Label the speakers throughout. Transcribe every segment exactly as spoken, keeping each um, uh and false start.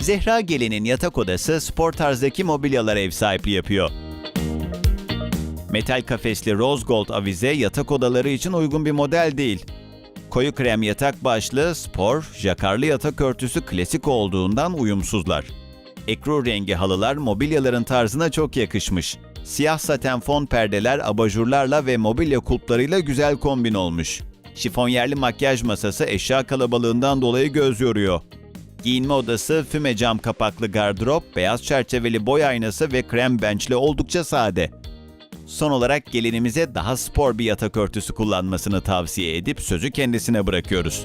Speaker 1: Zehra Gelin'in yatak odası spor tarzdaki mobilyalara ev sahipliği yapıyor. Metal kafesli rose gold avize yatak odaları için uygun bir model değil. Koyu krem yatak başlığı spor, jakarlı yatak örtüsü klasik olduğundan uyumsuzlar. Ekru rengi halılar mobilyaların tarzına çok yakışmış. Siyah saten fon perdeler abajurlarla ve mobilya kulplarıyla güzel kombin olmuş. Şifonyerli makyaj masası eşya kalabalığından dolayı göz yoruyor. Giyinme odası, füme cam kapaklı gardırop, beyaz çerçeveli boy aynası ve krem benchli oldukça sade. Son olarak gelinimize daha spor bir yatak örtüsü kullanmasını tavsiye edip sözü kendisine bırakıyoruz.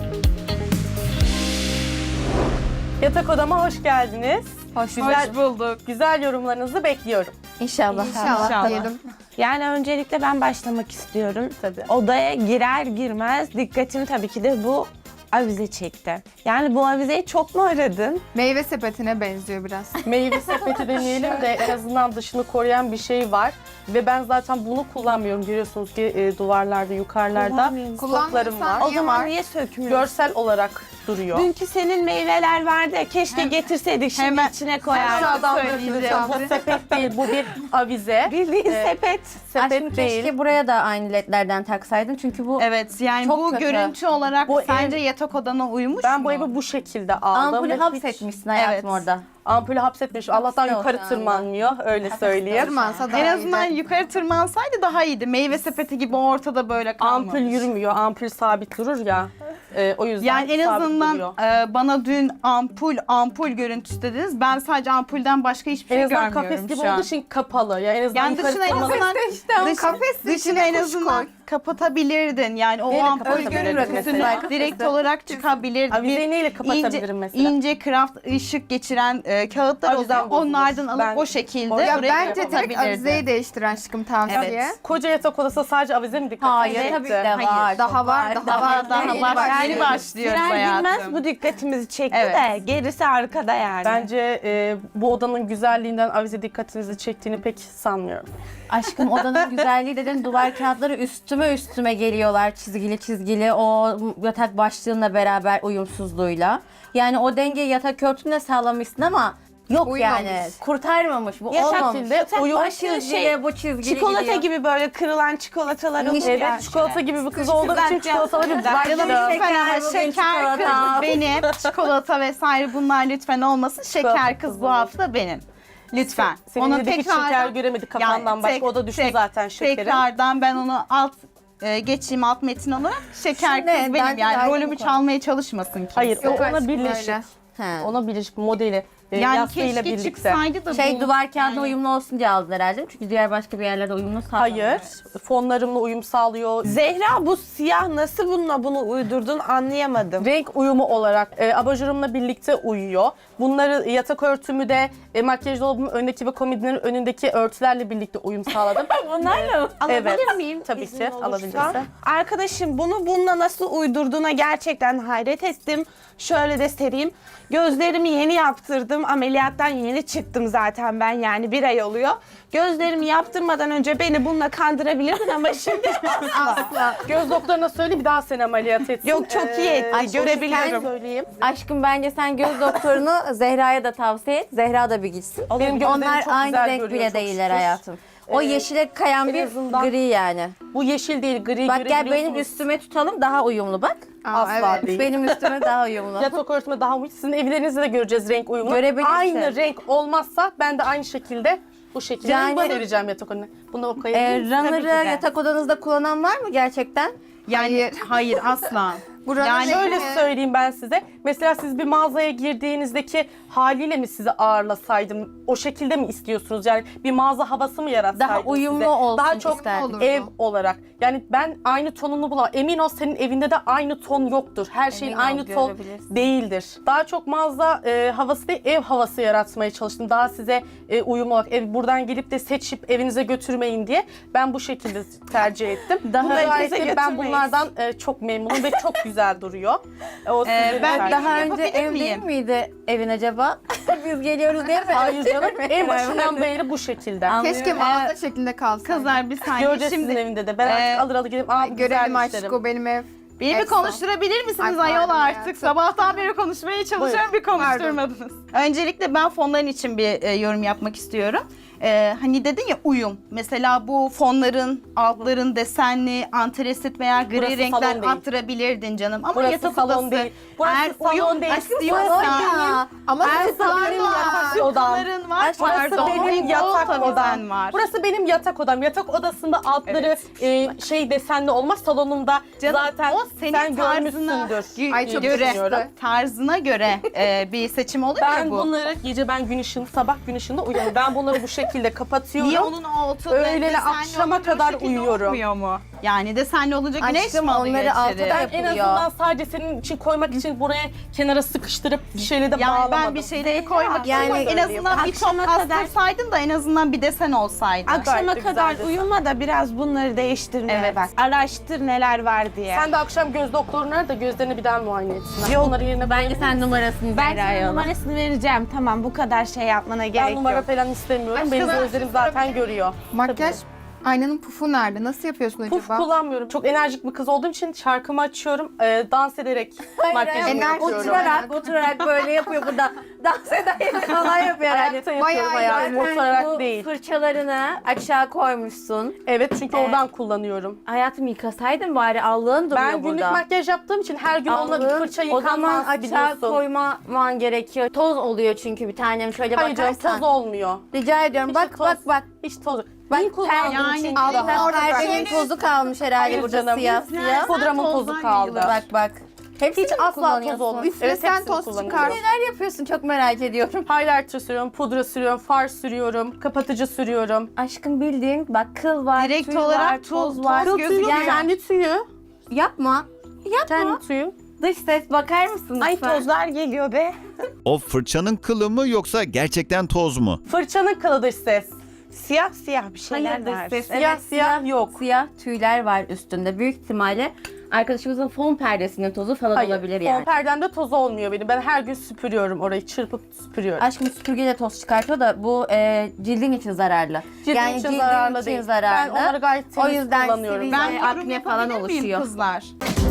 Speaker 2: Yatak odama hoş geldiniz.
Speaker 3: Hoş,
Speaker 2: Güzel-
Speaker 3: hoş bulduk.
Speaker 2: Güzel yorumlarınızı bekliyorum.
Speaker 3: İnşallah.
Speaker 4: İnşallah diyelim.
Speaker 5: Yani öncelikle ben başlamak istiyorum.
Speaker 2: Tabii.
Speaker 5: Odaya girer girmez dikkatimi tabii ki de bu avize çekti. Yani bu avizeyi çok mu aradın?
Speaker 4: Meyve sepetine benziyor biraz.
Speaker 2: Meyve sepeti demeyelim de en azından dışını koruyan bir şey var. Ve ben zaten bunu kullanmıyorum. Görüyorsunuz ki e, duvarlarda, yukarılarda
Speaker 5: Kullanmıyorsun.
Speaker 2: stoklarım var.
Speaker 5: O
Speaker 4: Niye
Speaker 5: zaman
Speaker 4: var?
Speaker 5: niye sökmüyorsun?
Speaker 2: Görsel olarak duruyor.
Speaker 5: Dünkü senin meyveler vardı ya, keşke getirseydik şimdi
Speaker 3: Hemen-
Speaker 5: içine koyardık.
Speaker 2: Aşağıdan
Speaker 4: söyleyeceğim.
Speaker 2: döküleceğim. Bu sepet değil, bu bir avize.
Speaker 5: Bildiğin
Speaker 2: Ee,
Speaker 5: sepet.
Speaker 2: Sepet
Speaker 6: Aşkım
Speaker 2: değil.
Speaker 6: keşke buraya da aynı ledlerden taksaydın çünkü bu
Speaker 3: Evet, yani
Speaker 6: Çok
Speaker 3: bu
Speaker 6: kötü.
Speaker 3: görüntü olarak
Speaker 2: Bu
Speaker 3: sence
Speaker 2: ev-
Speaker 3: yatak odana uymuş
Speaker 2: Ben
Speaker 3: mu?
Speaker 2: bu evi bu şekilde aldım.
Speaker 6: ampulü
Speaker 2: ve hiç-
Speaker 6: hapsetmişsin hayatım
Speaker 3: Evet.
Speaker 6: orada.
Speaker 2: Ampulü hapsetmiş. Allah'tan
Speaker 6: Hapiste o
Speaker 2: yukarı
Speaker 6: şu anda.
Speaker 2: tırmanmıyor. Öyle söyleyeyim.
Speaker 4: Tırmansa daha
Speaker 3: En azından
Speaker 4: iyiydi.
Speaker 3: yukarı tırmansaydı daha iyiydi. Meyve sepeti gibi ortada böyle kalmamış.
Speaker 2: Ampul yürümüyor. Ampul sabit durur ya. Ee, o yüzden
Speaker 3: Yani en
Speaker 2: sabit
Speaker 3: azından
Speaker 2: duruyor.
Speaker 3: e, bana dün ampul ampul görüntüsü dediniz. Ben sadece ampulden başka hiçbir
Speaker 2: En
Speaker 3: şey
Speaker 2: azından
Speaker 3: görmüyorum
Speaker 2: kafes gibi
Speaker 3: şu an.
Speaker 2: olduğu için kapalı. Yani en azından
Speaker 3: Yani
Speaker 2: yukarı
Speaker 3: dışına en
Speaker 2: tırmanıp-
Speaker 3: azından dış,
Speaker 4: Kafes
Speaker 3: dışına
Speaker 4: içine
Speaker 3: en
Speaker 4: kuş
Speaker 3: azından
Speaker 4: koy.
Speaker 3: kapatabilirdin. Yani o
Speaker 2: Neyle
Speaker 3: ampul
Speaker 2: kapatabilirdin
Speaker 3: görüntüsünü
Speaker 2: mesela?
Speaker 3: direkt olarak çıkabilirdi.
Speaker 2: Avizeyi
Speaker 3: Bir
Speaker 2: neyle
Speaker 3: ince,
Speaker 2: kapatabilirim mesela?
Speaker 3: ince craft ışık geçiren e, kağıtlar
Speaker 2: Avizem
Speaker 3: oluyor.
Speaker 2: bozulur.
Speaker 3: Onlardan alıp
Speaker 2: Ben-
Speaker 3: o şekilde
Speaker 2: Ya
Speaker 3: oraya
Speaker 4: Bence direkt
Speaker 3: kapatabilirdin.
Speaker 4: avizeyi değiştir aşkım tavsiye.
Speaker 3: Evet.
Speaker 2: Koca yatak odası sadece avize mi dikkat
Speaker 6: Hayır
Speaker 2: edecekti?
Speaker 6: tabii ki de
Speaker 3: Hayır,
Speaker 6: var.
Speaker 4: daha
Speaker 6: çok
Speaker 4: var, daha var,
Speaker 3: Daha
Speaker 4: Yeni
Speaker 3: daha
Speaker 4: başlıyoruz.
Speaker 3: yeni başlıyoruz
Speaker 5: Girer
Speaker 3: hayatım.
Speaker 5: girmez bu dikkatimizi çekti
Speaker 3: Evet.
Speaker 5: de gerisi arkada yani.
Speaker 2: Bence e, bu odanın güzelliğinden avize dikkatinizi çektiğini pek sanmıyorum.
Speaker 6: Aşkım odanın güzelliği dedin, duvar kağıtları üstüme üstüme geliyorlar çizgili çizgili o yatak başlığınla beraber uyumsuzluğuyla. Yani o dengeyi yatak örtünle sağlamışsın ama yok
Speaker 4: Uymamış.
Speaker 6: yani kurtarmamış bu
Speaker 5: Yatak
Speaker 6: olmamış.
Speaker 2: şekilde
Speaker 6: Yatak
Speaker 2: uyum-
Speaker 6: baş çizgili
Speaker 5: şey,
Speaker 6: bu çizgili
Speaker 5: Çikolata
Speaker 6: gidiyor.
Speaker 5: gibi böyle kırılan çikolatalar olur
Speaker 2: Evet,
Speaker 5: ya.
Speaker 2: çikolata gibi bir kız olduğu için çikolataları
Speaker 3: Canım
Speaker 2: başlıyor.
Speaker 3: lütfen
Speaker 6: bugün
Speaker 3: şeker
Speaker 6: çikolata.
Speaker 3: kız benim. Çikolata vesaire bunlar lütfen olmasın. Şeker
Speaker 2: Çikolata
Speaker 3: kız
Speaker 2: kız
Speaker 3: bu
Speaker 2: olur.
Speaker 3: hafta benim. Lütfen.
Speaker 2: Senin
Speaker 3: Onu
Speaker 2: de hiç
Speaker 3: tekrardan-
Speaker 2: şeker göremedik kafandan
Speaker 3: Yani
Speaker 2: başka.
Speaker 3: tek-
Speaker 2: O da düştü
Speaker 3: tek-
Speaker 2: zaten şekerin.
Speaker 3: Tekrardan ben onu alt e, geçeyim alt metin olarak. Şeker
Speaker 6: Şimdi
Speaker 3: kız benim
Speaker 6: bence
Speaker 3: yani
Speaker 6: ayrı
Speaker 3: rolümü
Speaker 6: bir konu.
Speaker 3: çalmaya çalışmasın kimse.
Speaker 2: Hayır, o
Speaker 4: Yok
Speaker 2: ona
Speaker 4: aşkım
Speaker 2: birleşik.
Speaker 4: öyle.
Speaker 6: He.
Speaker 2: Ona birleşik modeli. E,
Speaker 3: Yani
Speaker 2: yastığıyla
Speaker 3: keşke
Speaker 2: birlikte.
Speaker 3: çıksaydı da
Speaker 6: Şey
Speaker 3: bu.
Speaker 6: duvar kağıdına
Speaker 3: yani-
Speaker 6: uyumlu olsun diye aldılar herhalde. Çünkü diğer başka bir yerlerde uyumlu sağlamıyor.
Speaker 2: Hayır. Fonlarımla uyum sağlıyor.
Speaker 5: Zehra bu siyah nasıl bununla bunu uydurdun anlayamadım.
Speaker 2: Renk uyumu olarak e, abajurumla birlikte uyuyor. Bunları yatak örtümü de e, makyaj dolabımın önündeki ve komodinin önündeki örtülerle birlikte uyum sağladım.
Speaker 6: Bunlarla mı?
Speaker 2: Evet.
Speaker 5: Alabilir miyim?
Speaker 2: Tabii
Speaker 5: İzin
Speaker 2: ki,
Speaker 5: olursa?
Speaker 2: alabilirsin.
Speaker 5: Arkadaşım bunu bununla nasıl uydurduğuna gerçekten hayret ettim. Şöyle de sereyim. Gözlerimi yeni yaptırdım. Ameliyattan yeni çıktım zaten ben, yani bir ay oluyor. Gözlerimi yaptırmadan önce beni bununla kandırabilirdin ama şimdi
Speaker 2: Asla. Göz doktoruna söyle bir daha seni ameliyat etsin.
Speaker 5: Yok, çok iyi etti.
Speaker 2: Ay,
Speaker 5: Görebiliyorum.
Speaker 2: söyleyeyim.
Speaker 6: Aşkım bence sen göz doktorunu Zehra'ya da tavsiye et. Zehra da bir gitsin.
Speaker 2: Benim gözlerim
Speaker 6: Onlar
Speaker 2: çok
Speaker 6: aynı
Speaker 2: güzel
Speaker 6: renk
Speaker 2: görüyor,
Speaker 6: bile
Speaker 2: çok
Speaker 6: değiller
Speaker 2: şükür.
Speaker 6: hayatım. O
Speaker 2: Ee,
Speaker 6: yeşile kayan
Speaker 2: en
Speaker 6: bir
Speaker 2: azından-
Speaker 6: gri yani.
Speaker 2: Bu yeşil değil, gri
Speaker 6: Bak gel benim
Speaker 2: görebiliyorsunuz.
Speaker 6: üstüme tutalım, daha uyumlu bak.
Speaker 4: Aa,
Speaker 2: Asla
Speaker 4: evet.
Speaker 2: değil.
Speaker 6: Benim üstüme daha uyumlu.
Speaker 2: Yatak örtüme daha uyum. Sizin evlerinizde de göreceğiz renk uyumunu.
Speaker 6: Görebilirsin.
Speaker 2: Aynı renk olmazsa ben de aynı şekilde bu şekilde
Speaker 6: Yani-
Speaker 2: yani, vereceğim yatak önüne. Bunu o
Speaker 6: Ee,
Speaker 2: koyabilir misin?
Speaker 6: runner'ı
Speaker 3: ki de.
Speaker 6: yatak odanızda kullanan var mı gerçekten?
Speaker 3: Yani
Speaker 4: Hayır.
Speaker 3: hayır asla.
Speaker 4: Buranın
Speaker 3: Yani
Speaker 4: rengi-
Speaker 2: Şöyle söyleyeyim ben size. Mesela siz bir mağazaya girdiğinizdeki haliyle mi sizi ağırlasaydım? O şekilde mi istiyorsunuz? Yani bir mağaza havası mı yaratsaydım
Speaker 6: Daha uyumlu
Speaker 2: size?
Speaker 6: olsun
Speaker 2: Daha çok
Speaker 6: isterdim.
Speaker 4: olurdu.
Speaker 2: ev olarak. Yani ben aynı tonunu bulamam. Emin ol senin evinde de aynı ton yoktur. Her şeyin
Speaker 6: Emin ol,
Speaker 2: aynı ton
Speaker 6: görebilirsin.
Speaker 2: değildir. Daha çok mağaza e, havası değil, ev havası yaratmaya çalıştım. Daha size e, uyumlu olarak. Ev, buradan gelip de seçip evinize götürmeyin diye ben bu şekilde tercih ettim.
Speaker 5: Daha
Speaker 2: Bu gayet
Speaker 5: evinize
Speaker 2: de ben
Speaker 5: götürmeyiz.
Speaker 2: bunlardan e, çok memnunum ve çok güzel duruyor. E, O
Speaker 3: Ee,
Speaker 2: sizin
Speaker 3: ben
Speaker 2: tercih.
Speaker 6: Daha önce
Speaker 3: yapabilir
Speaker 6: ev
Speaker 3: miyim?
Speaker 6: değil miydi evin acaba? Biz geliyoruz değil mi?
Speaker 2: Hayır canım, en başından beri bu şekilde.
Speaker 4: Keşke mağaza şeklinde kalsaydı.
Speaker 3: Kızlar bir saniye.
Speaker 2: Göreceğiz
Speaker 3: Şimdi
Speaker 2: sizin evinde de. Ben
Speaker 3: Ee,
Speaker 2: artık alır alır gelip aa bu
Speaker 4: Görelim
Speaker 2: güzelmiş
Speaker 4: aşkım
Speaker 2: derim.
Speaker 4: o benim ev.
Speaker 3: Beni bir
Speaker 4: Exo.
Speaker 3: konuşturabilir misiniz
Speaker 4: Ay,
Speaker 3: ayol
Speaker 4: pardon
Speaker 3: artık?
Speaker 4: hayatım.
Speaker 3: Sabahtan beri konuşmaya çalışıyorum, bir konuşturmadınız. Öncelikle ben fonların için bir e, yorum yapmak istiyorum. E, hani dedin ya uyum. Mesela bu fonların, altların desenli, antresit veya gri
Speaker 2: Burası
Speaker 3: renkler
Speaker 2: salon değil.
Speaker 3: attırabilirdin canım. Ama
Speaker 2: Burası
Speaker 3: yatak
Speaker 2: salon
Speaker 3: odası.
Speaker 2: değil. Burası
Speaker 3: Eğer
Speaker 2: salon
Speaker 3: uyum
Speaker 2: değil.
Speaker 3: istiyorsan,
Speaker 6: Ya.
Speaker 4: Ama
Speaker 3: her
Speaker 4: sesler
Speaker 3: salon
Speaker 2: benim
Speaker 4: var.
Speaker 2: yatak odam.
Speaker 3: Sıkıntıların var.
Speaker 2: Burası
Speaker 3: Pardon,
Speaker 2: benim
Speaker 3: o
Speaker 2: yatak
Speaker 3: tavizen
Speaker 2: odam.
Speaker 3: var.
Speaker 2: Burası benim yatak odam. Yatak odasında altları e, şey desenli olmaz. Salonumda
Speaker 3: Canım,
Speaker 2: zaten
Speaker 3: o senin
Speaker 2: sen
Speaker 3: tarzına
Speaker 2: görmüşsündür.
Speaker 4: Ay, çok
Speaker 3: göre,
Speaker 4: yakıştı.
Speaker 3: tarzına göre e, bir seçim olur
Speaker 2: Ben
Speaker 3: ya bu.
Speaker 2: bunları gece ben gün ışığında, sabah gün ışığında uyuyorum. Ben bunları bu şekilde kapatıyorum.
Speaker 3: Niye onun altı
Speaker 2: Öğlene
Speaker 3: desenli
Speaker 2: akşama
Speaker 3: olunca o
Speaker 2: kadar
Speaker 3: şekilde
Speaker 2: uyuyorum.
Speaker 3: olmuyor mu? Yani desenli olunca güneş
Speaker 6: Aşkım,
Speaker 3: mi alıyor
Speaker 6: onları altı
Speaker 3: içeri?
Speaker 6: da-
Speaker 2: Ben en
Speaker 6: yapılıyor.
Speaker 2: azından sadece senin için koymak için buraya kenara sıkıştırıp bir şeyle de
Speaker 3: Yani
Speaker 2: bağlamadım.
Speaker 3: ben bir şeyleri koymak
Speaker 6: Yani
Speaker 3: yani en azından bir top
Speaker 5: akşama kadar-
Speaker 3: astırsaydın da en azından bir desen olsaydı.
Speaker 5: Akşama
Speaker 2: Gayet de
Speaker 5: kadar
Speaker 2: güzeldi.
Speaker 5: uyuma da biraz bunları değiştirmeye
Speaker 3: Evet.
Speaker 5: bak. Araştır neler var diye.
Speaker 2: Sen de akşam göz doktoruna ara da gözlerini bir daha muayene etsinler.
Speaker 5: Yok,
Speaker 2: Onları yerine
Speaker 6: Bence sen numarasını
Speaker 5: ben
Speaker 6: ver
Speaker 5: sana
Speaker 6: Ayhan'a.
Speaker 5: numarasını vereceğim. Tamam, bu kadar şey yapmana gerek
Speaker 2: ben numara
Speaker 5: yok.
Speaker 2: falan istemiyorum.
Speaker 4: Aşkım,
Speaker 2: Benim
Speaker 4: ben
Speaker 2: gözlerim zaten görüyor.
Speaker 4: Makyaj aynanın pufu nerede? Nasıl yapıyorsun
Speaker 2: Puf
Speaker 4: acaba?
Speaker 2: kullanmıyorum. Çok enerjik bir kız olduğum için şarkımı açıyorum. e, dans ederek makyajımı
Speaker 4: enerji
Speaker 2: yapıyorum.
Speaker 6: Oturarak, oturarak böyle yapıyor burada. Dans ederek falan yapıyor herhalde.
Speaker 2: Ayakta yapıyorum
Speaker 4: Bayağı
Speaker 2: hayatım.
Speaker 6: Zaten
Speaker 2: Oturarak
Speaker 6: bu
Speaker 2: değil.
Speaker 6: fırçalarını aşağı koymuşsun.
Speaker 2: Evet çünkü oradan kullanıyorum.
Speaker 6: Hayatım, yıkasaydın bari, allığın duruyor
Speaker 2: Ben günlük
Speaker 6: burada.
Speaker 2: makyaj yaptığım için her gün onunla bir
Speaker 6: Allığın,
Speaker 2: fırça
Speaker 6: o zaman
Speaker 2: yıkanmaz
Speaker 6: aşağı
Speaker 2: biliyorsun.
Speaker 6: koyman gerekiyor. Toz oluyor çünkü bir tanem, şöyle
Speaker 2: Hayır canım
Speaker 6: bakarsan.
Speaker 2: toz olmuyor.
Speaker 6: Rica ediyorum,
Speaker 2: Hiç
Speaker 6: bak
Speaker 2: toz-
Speaker 6: bak bak.
Speaker 2: Hiç toz.
Speaker 6: Bak,
Speaker 2: Ben kullandım
Speaker 3: yani
Speaker 2: çünkü
Speaker 6: Altına
Speaker 2: daha.
Speaker 4: orada
Speaker 6: perdenin
Speaker 4: bak.
Speaker 6: tozu kalmış herhalde
Speaker 2: Hayır
Speaker 6: burada,
Speaker 2: canım.
Speaker 6: siyah
Speaker 2: Biz-
Speaker 6: siyah.
Speaker 2: Pudramın tozu
Speaker 3: tozdan
Speaker 2: kaldı.
Speaker 6: Bak bak. Hepsini
Speaker 2: Hiç
Speaker 6: mi
Speaker 2: asla toz
Speaker 6: kullanıyorsun?
Speaker 2: olmuyor.
Speaker 4: Üstüne
Speaker 2: Evet,
Speaker 4: sen
Speaker 2: hepsini
Speaker 4: toz
Speaker 2: kullanıyorum.
Speaker 4: çıkar.
Speaker 6: Neler yapıyorsun, çok merak ediyorum.
Speaker 2: Highlighter sürüyorum, pudra sürüyorum, far sürüyorum, kapatıcı sürüyorum.
Speaker 6: Aşkım, bildiğin bak, kıl var,
Speaker 3: Direkt
Speaker 6: tüy
Speaker 3: olarak
Speaker 6: var,
Speaker 3: toz-
Speaker 6: toz
Speaker 3: toz
Speaker 6: var.
Speaker 3: Kıl tüyü gözüküyor.
Speaker 6: Yani
Speaker 2: Kendi tüyü.
Speaker 6: yapma. Yapma.
Speaker 2: Kendi tüyü.
Speaker 6: Dış ses, bakar mısın
Speaker 5: Ay,
Speaker 6: lütfen?
Speaker 5: tozlar geliyor be.
Speaker 1: O fırçanın kılı mı yoksa gerçekten toz mu?
Speaker 2: Fırçanın kılı dış ses.
Speaker 5: Siyah siyah bir şeyler
Speaker 6: Hayır, dış
Speaker 5: var.
Speaker 6: ses.
Speaker 2: Siyah
Speaker 6: Evet,
Speaker 2: siyah yok.
Speaker 6: Siyah tüyler var üstünde. Büyük ihtimalle arkadaşımızın fon perdesinin tozu falan
Speaker 2: Hayır,
Speaker 6: olabilir
Speaker 2: fon
Speaker 6: yani.
Speaker 2: perdemde toz olmuyor benim. Ben her gün süpürüyorum orayı, çırpıp süpürüyorum.
Speaker 6: Aşkım, süpürgeyle toz çıkartıyor da bu e, cildin için zararlı.
Speaker 2: Cildin
Speaker 6: yani
Speaker 2: için
Speaker 6: cildin
Speaker 2: zararlı
Speaker 6: için
Speaker 2: değil.
Speaker 6: zararlı.
Speaker 2: Ben onları gayet
Speaker 6: o
Speaker 2: temiz
Speaker 6: yüzden
Speaker 2: kullanıyorum.
Speaker 6: sivilce,
Speaker 3: Ben yorum
Speaker 6: akne falan
Speaker 3: yapabilir miyim
Speaker 6: oluşuyor.
Speaker 3: kızlar?